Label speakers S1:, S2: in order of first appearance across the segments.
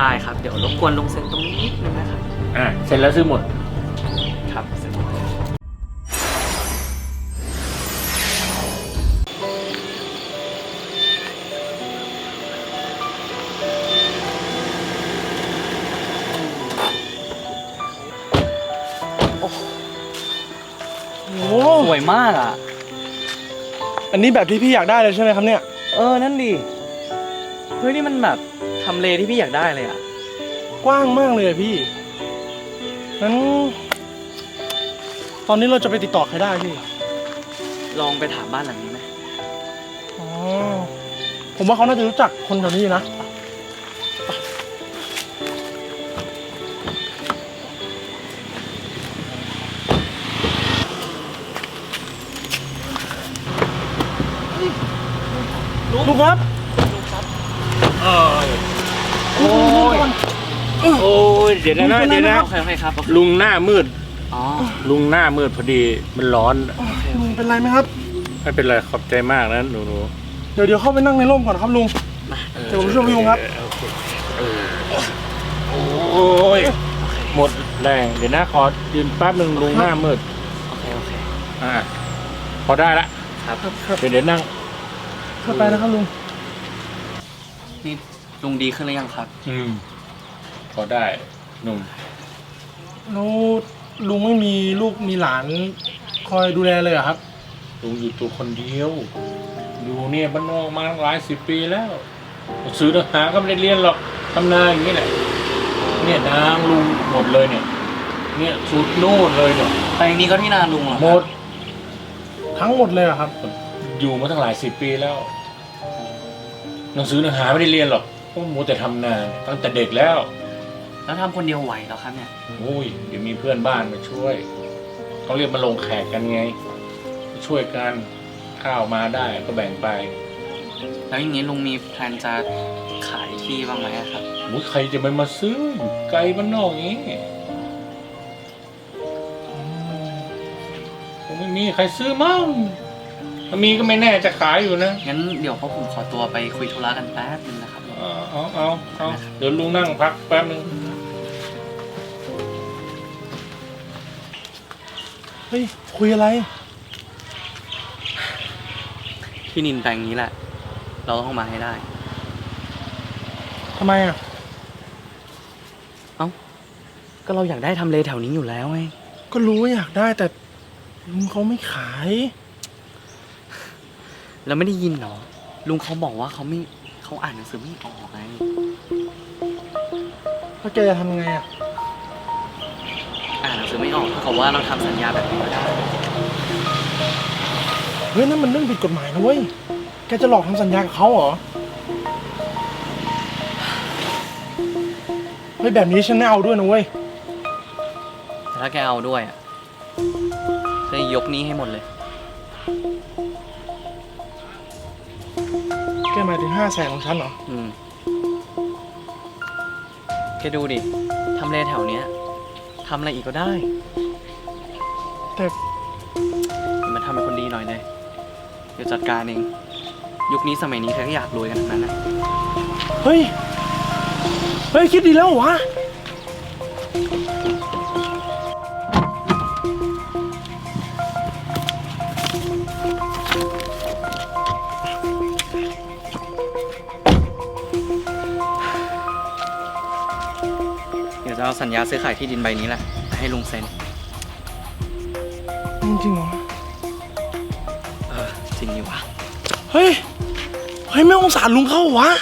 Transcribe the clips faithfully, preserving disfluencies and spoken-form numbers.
S1: ได้ครับเดี๋ยวรบกวนลุงเซ็นตรงนี้นิดนึงนะครับ
S2: อ่าเซ็นแล้วซื้อหมด
S1: ครับเซ็นหมดเลย
S3: โอ้
S1: สวยมากอ่ะ
S3: อันนี้แบบที่พี่อยากได้เลยใช่ไหมครับเนี่ย
S1: เออนั่นดิเฮ้ยนี่มันแบบทำเลที่พี่อยากได้เลยอ่ะ
S3: กว้างมากเลยพี่งั้นตอนนี้เราจะไปติดต่อใครได้พี่
S1: ลองไปถามบ้านหลังนี้ไหม
S3: อ๋อผมว่าเขาน่าจะรู้จักคนแถวนี้นะลุงครับ
S2: โอ้ยโอ้ยเดี๋ยวนะเดี๋ยวนะ
S1: โอเคโอเคครับ
S2: ลุงหน้ามืด
S1: อ๋อ
S2: ลุงหน้ามืดพอดีมันร้อน
S3: ลุงเป็นไรไหมครับ
S2: ไม่เป็นไรขอบใจมากนะหนูหนู
S3: เดี๋ยวเดี๋ยวเข้าไปนั่งในร่มก่อนครับลุงเดี๋ยวผมช่วยลุงครับ
S2: โอ้ยหมดแรงเดี๋ยวนะขอยืนแป๊บนึงลุงหน้ามืด
S1: โอเคโอเค
S2: อ่าพอได้ละ
S1: ครับ
S2: เดี๋ยวเดี๋ยวนั่ง
S3: เข้าไปนะครับลุง
S1: นี่ลุงดีขึ้นหรือยังครับ
S2: อืมพอได้หนุ่ม
S3: แล้วลุงไม่มีลูกมีหลานคอยดูแลเลยเหรอครับ
S2: ลุงอยู่ตัวคนเดียวอยู่เนี่ยบ้านนอกมาหลายสิบปีแล้วซื้อทหารก็ไม่ได้เรียนหรอกทำนาอย่างนี้แหละเนี่ยนางลุงหมดเลยเนี่ยเนี่ยสุดโน่นเลยเนี่ย
S1: ไปนี้ก็ที่นาลุงเหรอ
S2: หมด
S3: ทั้งหมดเลยเหรอครับ
S2: อยู่มาตั้งหลายสิบปีแล้วหนังสือหนังหาไม่ได้เรียนหรอกเพราะมัวแต่ทำนาตั้งแต่เด็กแล้ว
S1: แล้วทำคนเดียวไหวเหรอครับเนี่ย
S2: โอ้ยเดี๋ยวมีเพื่อนบ้านมาช่วยเขาเรียกมาลงแขกกันไงช่วยกันข้าวมาได้ก็แบ่งไป
S1: แล้วอย่างนี้ลุงมีแพลนจะขายที่บ้างไหมครับ
S2: โอ้ยใครจะมามาซื้อไกลบ้านนอกอย่างนี้ผมไม่มีใครซื้อมั่งถ้ามีก็ไม่แน่จะขายอยู่นะ
S1: งั้นเดี๋ยวพวกผมขอตัวไปคุยธุระกันแป๊บนึงนะครับ
S2: เอาเอาเอาเอาเดี๋ยวลุงนั่งพักแป๊บนึง
S3: เฮ้ยคุยอะไร
S1: ที่นินแปลงนี้แหละเราต้องเอามาให้ได้
S3: ทำไมอ่ะ
S1: เอ้าก็เราอยากได้ทำเลแถวนี้อยู่แล้วไง
S3: ก็รู้ว่าอยากได้แต่ลุงเขาไม่ขาย
S1: แล้วไม่ได้ยินเหรอลุงเขาบอกว่าเขาไม่เขาอ่านหนังสือไม่ออกไง
S3: แล้วแกจะทำไงอ่ะ
S1: อ่านหนังสือไม่ออกเท่ากับว่าเราทำสัญญาแบบนี้ไม่ได้
S3: เฮ้ยนั่นมันเรื่องผิดกฎหมายนะเว้ยแกจะหลอกทำสัญญากับเขาเหรอเฮ้ยแบบนี้ฉันไม่เอาด้วยนะเว้ย
S1: แต่ถ้าแกเอาด้วยอ่ะจะยกนี้ให้หมดเลย
S3: แกหมายถึงห้าแสนของฉันเหรอ
S1: อืมแกดูดิทำเลแถวเนี้ยทำอะไรอีกก็ได้
S3: แต่
S1: มันทำเป็นคนดีหน่อยเลยเดี๋ยวจัดการเองยุคนี้สมัยนี้ใครก็อยากรวยกันทั้งนั้นนะ
S3: เฮ้ยเฮ้ยคิดดีแล้ววะ
S1: เดี๋ยวจะเอาสัญญาซื้อขายที่ดินใบนี้แหละให้ลุงเซ็น
S3: จริงเหรอ
S1: เออจริงนี่วะ
S3: เฮ้ยเฮ้ยไม่สงสารลุงเขาวะ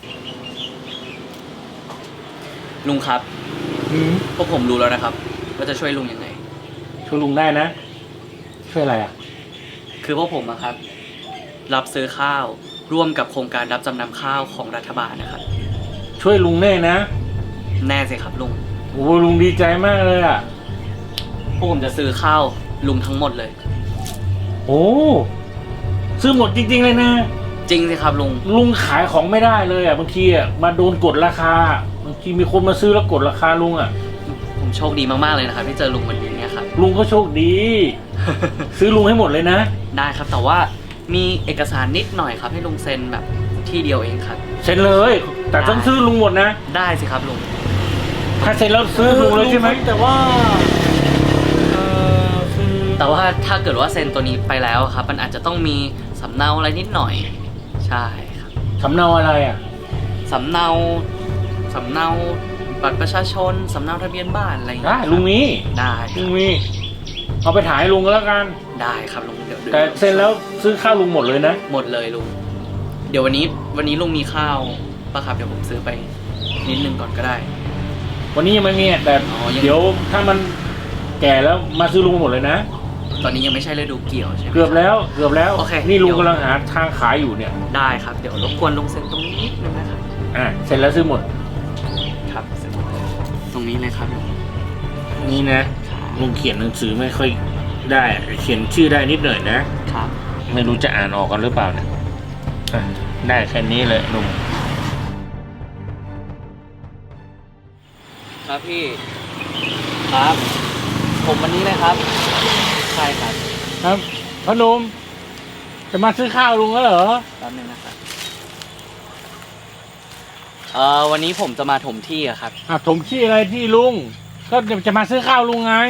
S1: ลุงครับพวกผมรู้แล้วนะครับว่าจะช่วยลุงยังไง
S2: ช่วยลุงได้นะช่วยอะไรอ่ะ
S1: คือพวกผมนะครับรับซื้อข้าวร่วมกับโครงการรับจำนำข้าวของรัฐบาลนะครับ
S2: ช่วยลุงแน่นะ
S1: แน่สิครับลุง
S2: โอ้ลุงดีใจมากเลยอ่ะ
S1: พวกผมจะซื้อข้าวลุงทั้งหมดเลย
S2: โอ้ซื้อหมดจริงๆเลยนะ
S1: จริงสิครับลุง
S2: ลุงขายของไม่ได้เลยอ่ะบางทีอ่ะมาโดนกดราคาบางทีมีคนมาซื้อแล้วกดราคาลุงอ่ะ
S1: ผมโชคดีมากๆเลยนะครับที่เจอลุงวันนี้เนี่ยครับ
S2: ลุงก็โชคดี ซื้อลุงให้หมดเลยนะ
S1: ได้ครับแต่ว่ามีเอกสารนิดหน่อยครับให้ลุงเซ็นแบบที่เดียวเองครับ
S2: เซ็นเลยแต่ต้องซื้อลุงหมดนะ
S1: ได้สิครับลุง
S2: ถ้าเซ็นแล้วซื้อลุงเลยใช่ไหม
S3: แต่ว่าเออคือ
S1: แต่ว่าถ้าเกิดว่าเซ็นตัวนี้ไปแล้วครับ มันอาจจะต้องมีสำเนาอะไรนิดหน่อย ใช่ครับ
S2: สำเนาอะไรอ่ะ
S1: สำเนาสำเนาบัตรประชาชนสำเนาทะเบียนบ้านอะไรอย่าง
S2: ได้
S1: เงี้ย
S2: ลุงมี
S1: ได้ค
S2: ลุ
S1: รับ
S2: งมีเอาไปถ่ายให้ลุงก็แล้วกัน
S1: ได้ครับลุงเดี๋ยวดี๋ยว
S2: แต่เซ็นแล้วซื้อข้าวลุงหมดเลยนะ
S1: หมดเลยลุงเดี๋ยววันนี้วันนี้ลุงมีข้าวป่ะครับเดี๋ยวผมซื้อไปนิดนึงก่อนก็ได้
S2: วันนี้ยังไม่มีแต่
S1: อ๋อยัง
S2: เดี๋ยวถ้ามันแก่แล้วมาซื้อลุงหมดเลยนะ
S1: ตอนนี้ยังไม่ใช่ฤดูเกี่ยวใช่ไหม
S2: เกือบแล้วเกือบแล้ว
S1: โอเค
S2: นี่ลุง
S1: เดี๋ยว
S2: กำลังหาทางขายอยู่เนี่ย
S1: ได้ครับเดี๋ยวรบกวนลุงเซ็นตรงนี้นิดนึงนะครับ
S2: อ่ะเซ็นแล้วซื้อหมด
S1: ครับเซ็นหมดเลยตรงนี้เลยครับลุง
S2: นี่นะลุงเขียนหนังสือไม่ค่อยได้ เขียนชื่อได้นิดหน่อยนะ
S1: ครับ
S2: ไม่รู้จะอ่านออกกันหรือเปล่าเนี่ยอ่ะได้แค่นี้เลยลุง
S1: ครับพี่ครับ ผมวันนี้เลยครับใช่ครับ
S2: ครับพ่อหนุ่มจะมาซื้อข้าวลุงแล้วเหรอ
S1: แป๊บนึงนะครับเอ่อวันนี้ผมจะมาถมที่อะครับ
S2: อ่ะถมที่อะไรที่ลุง ก็จะมาซื้อข้าวลุงไง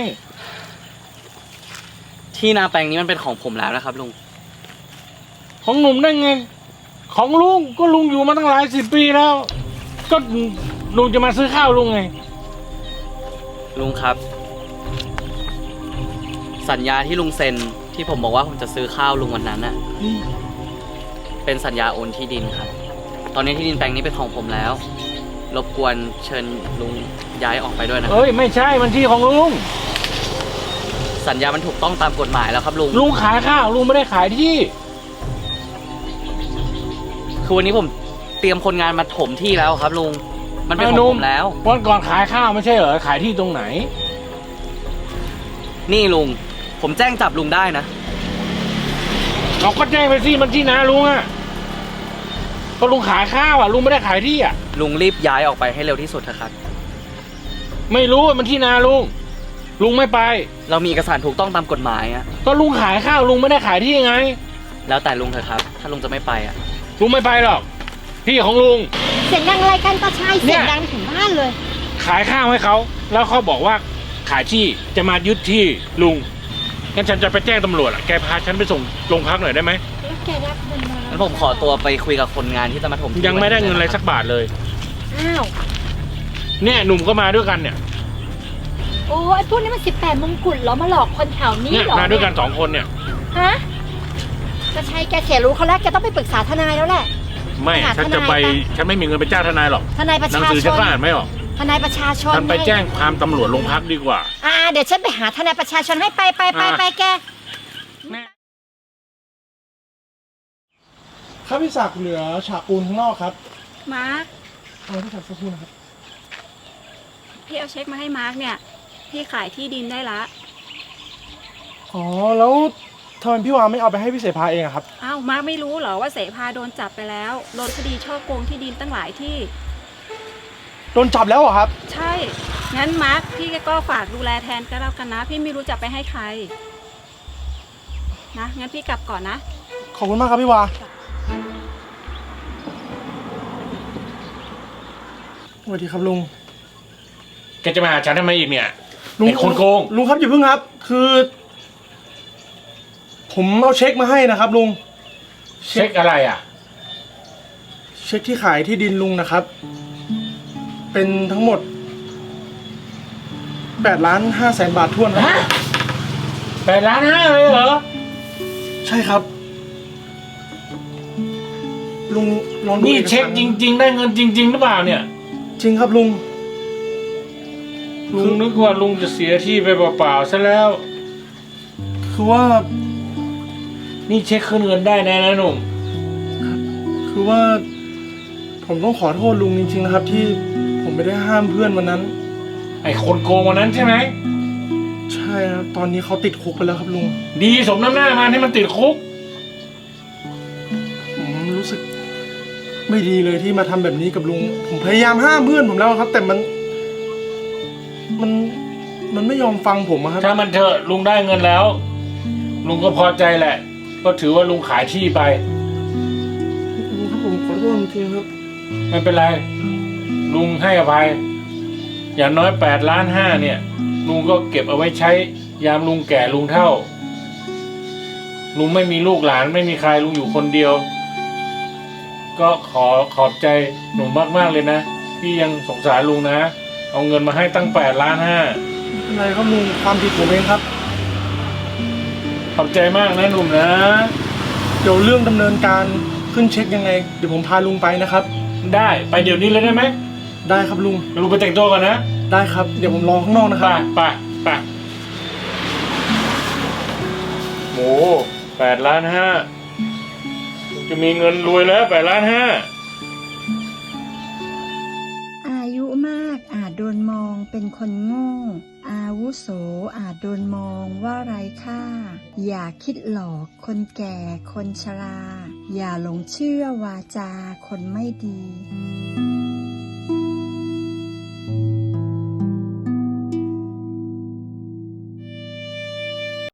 S1: ที่นาแปลงนี้มันเป็นของผมแล้วนะครับลุง
S2: ของหนุ่มได้ไง ของลุงก็ลุงอยู่มาตั้งหลายสิบปีแล้ว ก็ลุงจะมาซื้อข้าวลุงไง
S1: ลุงครับ สัญญาที่ลุงเซ็นที่ผมบอกว่าผมจะซื้อข้าวลุงวันนั้นน่ะเป็นสัญญาโอนที่ดินครับ ตอนนี้ที่ดินแปลงนี้เป็นของผมแล้ว รบกวนเชิญลุงย้ายออกไปด้วยนะครั
S2: เอ้ยไม่ใช่มันที่ของลุง
S1: สัญญามันถูกต้องตามกฎหมายแล้วครับลุง
S2: ลุงขายข้าวลุงไม่ได้ขายที่
S1: คือวันนี้ผมเตรียมคนงานมาถมที่แล้วครับลุงมันเป็นข
S2: ไอ้
S1: อง
S2: หนุ่
S1: ผม มแล้ว
S2: วันก่อนขายข้าวไม่ใช่เหรอขายที่ตรงไหน
S1: นี่ลุงผมแจ้งจับลุงได้นะ
S2: เราก็แจ้งไปสิมันที่นาลุงอ่ะก็ลุงขายข้าวอ่ะลุงไม่ได้ขายที่อ่ะ
S1: ลุงรีบย้ายออกไปให้เร็วที่สุดเถอะครับ
S2: ไม่รู้ว่ามันที่นาลุงลุงไม่ไป
S1: เรามีเอกสารถูกต้องตามกฎหมายอะ
S2: ก็ลุงขายข้าวลุงไม่ได้ขายที่ไง
S1: แล้วแต่ลุงเถอะครับ ถ้าลุงจะไม่ไปอะ
S2: ลุงไม่ไปหรอกที่ของลุง
S4: เสียงดังอะไรกันตาชาย
S2: เนี่
S4: เสีย
S2: ย
S4: งดังถึงบ้านเลย
S2: ขายข้าวให้เขาแล้วเขาบอกว่าขายที่จะมายึดที่ลุงงั้นฉันจะไปแจ้งตำรวจอ่ะแกพาฉันไปส่งโรงพักหน่อยได้ไหม
S4: แล้วแกรับเงินมา
S1: งั้นผมขอตัวไปคุยกับคนงานที่จะมาถมที่
S2: ยังไม่ได้เงินอะไรสักบาทเลย
S4: อ้าว
S2: เนี่ยหนุ่มก็มาด้วยกันเนี่ย
S4: โอ้ยพวกนี้มันสิบแปดมงกุฎเหรอมาหลอกคนแถวนี้
S2: เนี่ย
S4: เหรอ
S2: มาด้วยกันสองคนเนี่ย
S4: ฮะตาชายแกเสียรู้เขาแล้วแกต้องไปปรึกษาทนายแล้วแหละ
S2: ไม่
S4: หา
S2: ฉันจะ
S4: ทนาย
S2: ไป
S4: ไป
S2: ฉันไม่มีเงินไปจ้างทนายหรอก
S4: ทนายประ
S2: หนัง
S4: ชา
S2: สือ
S4: ช
S2: ฉัน
S4: น
S2: ก็อ่านไม่ออก
S4: ทนายประชาชน
S2: ฉันไป
S4: ไง
S2: แจ้งความตำรวจโรงพักดีกว่า
S4: อ่าเดี๋ยวฉันไปหาทนายประชาชนให้ไปไปไป
S2: อ่า
S4: ไปแก
S3: ครับพี่ศักดิ์เหลือฉากปูนข้างนอกครับ
S5: มาร์ค
S3: เอาพี่ศักดิ์สักครู่นะครับ
S5: พี่เอาเช็คมาให้มาร์คเนี่ย พี่ขายที่ดินได้ละ
S3: อ๋อแล้วทำไมพี่วาไม่เอาไปให้พี่เสภาเองอะครับ
S5: อ้าวมาร์คไม่รู้เหรอว่าเสภาโดนจับไปแล้วโดนคดีช่อโกงที่ดินตั้งหลายที่
S3: โดนจับแล้วเหรอครับ
S5: ใช่ งั้นมาร์คพี่ก็ฝากดูแลแทนก็แล้วกันนะ พี่ไม่รู้จะไปให้ใคร นะ งั้นพี่กลับก่อนนะ
S3: ขอบคุณมากครับพี่วาสวัสดีครับลุง
S2: แกจะมาหาฉันทำไมอีกเนี่ย
S3: ลุง
S2: ไอ้คนโกง
S3: ลุงครับอย่าเพิ่งครับ คือ ผมเอาเช็คมาให้นะครับ ลุง
S2: เช็คอะไรอ่ะ
S3: เช็คที่ขายที่ดินลุงนะครับ เป็นทั้งหมดแปดล้านห้าแสนบาททวนครับ
S2: ฮะ แปดล้านห้าเลยเหรอ
S3: ใช่ครับ ลุงลองดู
S2: นี่
S3: อกสาร
S2: เช็คจริง ๆ ได้เงินจริง ๆ หรือเปล่าเนี่ย
S3: จริงครับลุง
S2: ลุงนึกว่าลุงจะเสียที่ไปเปล่าๆซะแล้ว
S3: คือว่า
S2: นี่เช็คคืนเงินได้แน่นะหนุ่ม
S3: คือว่า ผมต้องขอโทษลุงจริงๆนะครับ ที่ผมไม่ได้ห้ามเพื่อนวันนั้น
S2: ไอ้คนโกงวันนั้นใช่ไหม
S3: ใช่ครับตอนนี้เขาติดคุกไปแล้วครับลุง
S2: ดีสมน้ำหน้ามาที่มันติดคุก
S3: ผมรู้สึก ไม่ดีเลยที่มาทำแบบนี้กับลุง ผมพยายามห้ามเพื่อนผมแล้วครับ แต่มัน มันมันไม่ยอมฟังผมอะครับ
S2: ถ้ามันเถอะลุงได้เงินแล้ว ลุงก็พอใจแหละ ก็ถือว่าลุงขายที่ไป
S3: ลุงครับผมขอโทษจริงๆครับ
S2: ไม่เป็นไร ลุงให้อภัย อย่างน้อยแปดล้านห้าเนี่ย ลุงก็เก็บเอาไว้ใช้ยามลุงแก่ลุงเฒ่า ลุงไม่มีลูกหลานไม่มีใครลุงอยู่คนเดียว ก็ขอขอบใจหนุ่มมากๆเลยนะที่ยังสงสารลุงนะ เอาเงินมาให้ตั้งแปดล้านห้า
S3: ไม่เป็นไรครับลุงความผิดผมเองครับ
S2: ขอบใจมากนะหนุ่มนะ
S3: เดี๋ยวเรื่องดำเนินการขึ้นเช็คยังไงเดี๋ยวผมพาลุงไปนะครับ
S2: ได้ไปเดี๋ยวนี้เลยได้ไหม
S3: ได้ครับลุง
S2: ลุงไปแต่งตัวก่อนนะ
S3: ได้ครับเดี๋ยวผมรอข้างนอกนะค
S2: ไป
S3: รับ
S2: ไปไปโอ้แปดล้านห้าจะมีเงินรวยแล้วแปดล้านห้า
S6: อายุมากอาจโดนมองเป็นคนโง่ อาวุโสอาจโดนมองว่าไร้ค่า อย่าคิดหลอกคนแก่คนชรา อย่าหลงเชื่อวาจาคนไม่ดี